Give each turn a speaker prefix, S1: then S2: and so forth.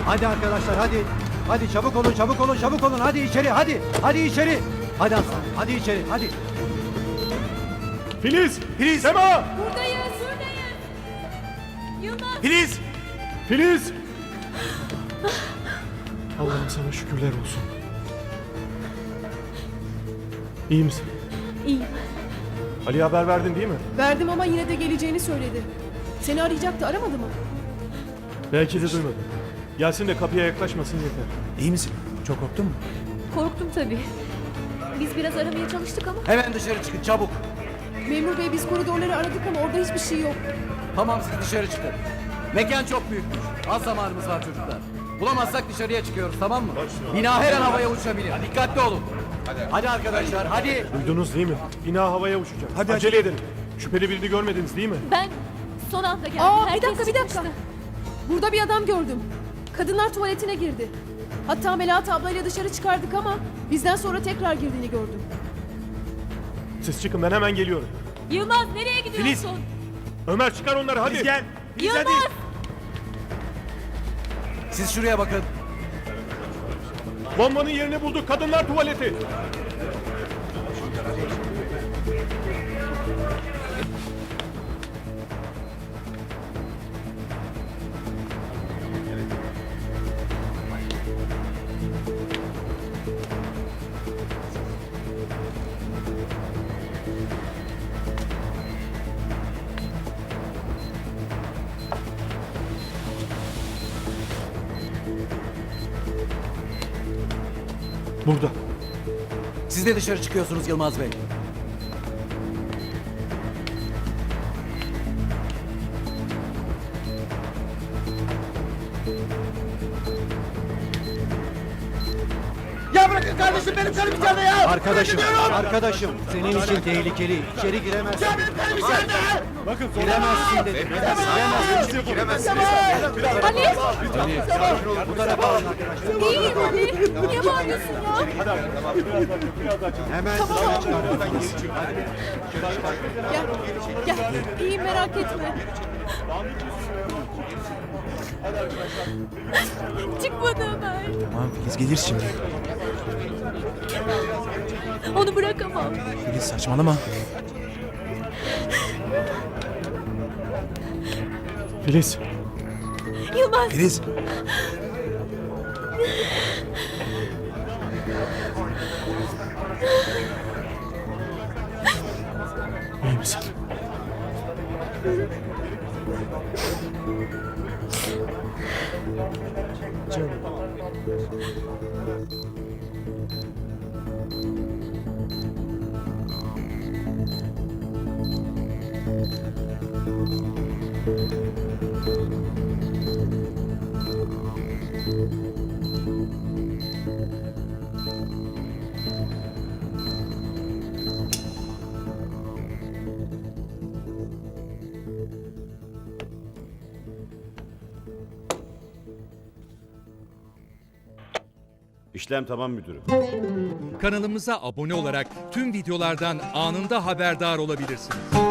S1: Hadi arkadaşlar hadi. Hadi çabuk olun çabuk olun çabuk olun. Hadi içeri hadi. Hadi içeri. Hadi aslan hadi içeri hadi.
S2: Filiz!
S1: Filiz!
S2: Sema!
S3: Buradayız. Yılmaz.
S1: Filiz!
S2: Filiz! Allah'ım sana şükürler olsun. İyi misin?
S3: İyiyim.
S2: Ali'ye haber verdin değil mi?
S4: Verdim ama yine de geleceğini söyledi. Seni arayacaktı, aramadı mı?
S2: Belki de duymadı. Gelsin de kapıya yaklaşmasın yeter.
S1: İyi misin? Çok korktun mu?
S3: Korktum tabii. Biz biraz aramaya çalıştık ama
S1: Hemen dışarı çıkın çabuk.
S4: Memur bey biz koridorları aradık ama orada hiçbir şey yok.
S1: Tamam siz dışarı çıkın. Mekan çok büyükmüş. Az zamanımız var çocuklar. Bulamazsak dışarıya çıkıyoruz tamam mı? Bina her an havaya uçabilir. Dikkatli olun. Hadi arkadaşlar hadi.
S2: Duydunuz değil mi? Bina havaya uçacak. Hadi acele edelim. Şüpheli birini görmediniz değil mi?
S3: ben son anda geldim.
S4: Aa bir
S3: Herkes
S4: dakika bir dakika.
S3: çıkmıştı.
S4: Burada bir adam gördüm. Kadınlar tuvaletine girdi. Hatta Melahat ablayla dışarı çıkardık ama bizden sonra tekrar girdiğini gördüm.
S2: Siz çıkın ben hemen geliyorum.
S3: Yılmaz nereye gidiyorsun?
S2: Ömer çıkar onları hadi. Gel.
S3: Yılmaz.
S1: Siz şuraya bakın.
S2: Bombanın yerini bulduk. Kadınlar tuvaleti. Burada.
S1: Siz de dışarı çıkıyorsunuz Yılmaz Bey.
S5: Ya bırakın kardeşim benim karım içeride ya.
S1: Arkadaşım, arkadaşım senin için tehlikeli. İçeri giremezsin.
S5: Ya benim karım içeride.
S2: Bakın
S1: Giremezsin dedim. Giremezsin.
S3: Ali.
S1: Bu tarafa alın arkadaşlar.
S3: İyiyim Ali. Niye bağırıyorsun ya?
S1: Hemen
S4: Gel, gel. İyiyim merak etme.
S3: Çıkmadı Ömer.
S6: Tamam Filiz gelir şimdi.
S3: Onu bırakamam.
S6: Filiz saçmalama.
S2: Filiz.
S3: Yılmaz.
S6: Filiz.
S2: İyi misin? Canım.
S7: İşlem tamam müdürüm.
S8: Kanalımıza abone olarak tüm videolardan anında haberdar olabilirsiniz.